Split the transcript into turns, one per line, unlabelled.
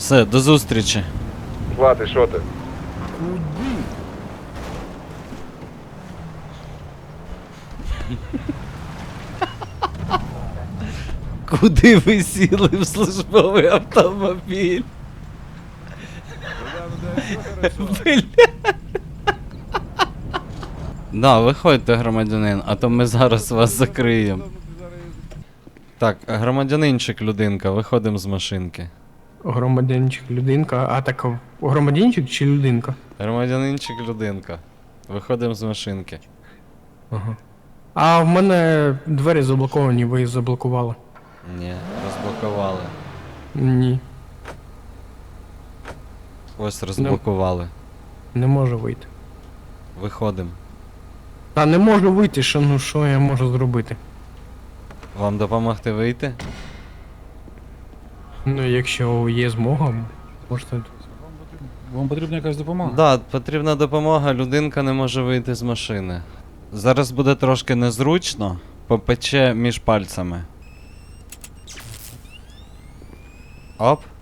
Все, до зустрічі.
Златий, що ти?
Куди ви сіли в службовий автомобіль? Бля. Да, виходьте, громадянин, а то ми зараз вас закриємо. Так, громадянинчик, людинка, виходимо з машинки.
Громадянчик, людинка. А так громадянчик чи людинка?
Громадянинчик, людинка. Виходимо з машинки.
Ага. А в мене двері заблоковані, ви їх заблокували.
Ні, розблокували.
Ні,
Ось розблокували.
не можу вийти.
Виходимо.
Та не можу вийти, що я можу зробити?
Вам допомогти вийти?
Ну, якщо є змога, можете.
Вам потрібна якась допомога?
Да, потрібна допомога, людинка не може вийти з машини. Зараз буде трошки незручно, попече між пальцями. Оп.